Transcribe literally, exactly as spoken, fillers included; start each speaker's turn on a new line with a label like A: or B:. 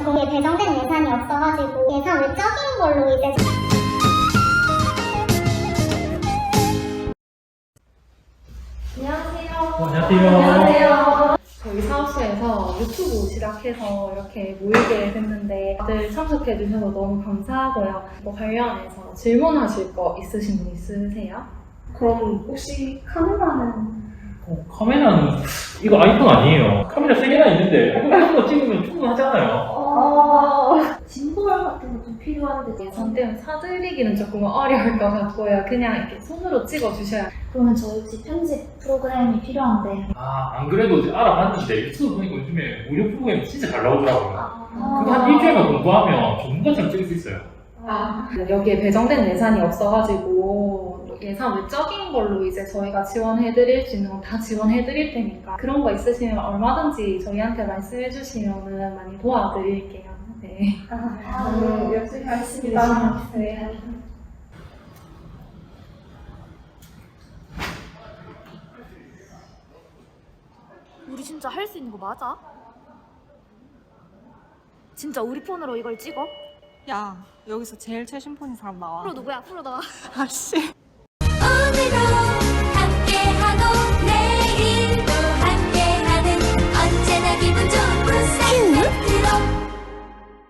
A: 거기에 배정된 예산이 없어가지고 예산을 적인 걸로 이제
B: 안녕하세요.
C: 어, 안녕하세요.
B: 저희 사업소에서 유튜브 시작해서 이렇게 모이게 됐는데 다들 참석해 주셔서 너무 감사하고요. 뭐 관련해서 질문하실 거 있으신 분 있으세요?
D: 그럼 혹시 카메라는
C: 어, 카메라는 이거 아이폰 아니에요. 카메라 세 개나 있는데 이거 한 번 찍으면 충분하잖아요.
D: 어... 짐볼 같은 거 좀 필요한데
B: 예산 때문에 사드리기는 조금 어려울 것 같고요. 그냥 이렇게 손으로 찍어 주셔야.
A: 그러면 저희 혹시 편집 프로그램이 필요한데
C: 아, 안 그래도 이제 알아봤는데 유튜브 보니까 요즘에 무료 프로그램 진짜 잘 나오더라고요. 그거
A: 아,
C: 한 일주일만 공부하면 전문가처럼 찍을 수 있어요.
B: 아, 여기에 배정된 예산이 없어가지고 예산 외적인 걸로 이제 저희가 지원해드릴 수 있는 건 다 지원해드릴 테니까 그런 거 있으시면 얼마든지 저희한테 말씀해주시면 많이 도와드릴게요. 네.
D: 아, 네, 열심히 하겠습니다. 네.
E: 우리 진짜 할 수 있는 거 맞아? 진짜 우리 폰으로 이걸 찍어?
F: 야, 여기서 제일 최신 폰인 사람 나와.
E: 프로 누구야? 프로 나와.
F: 아씨.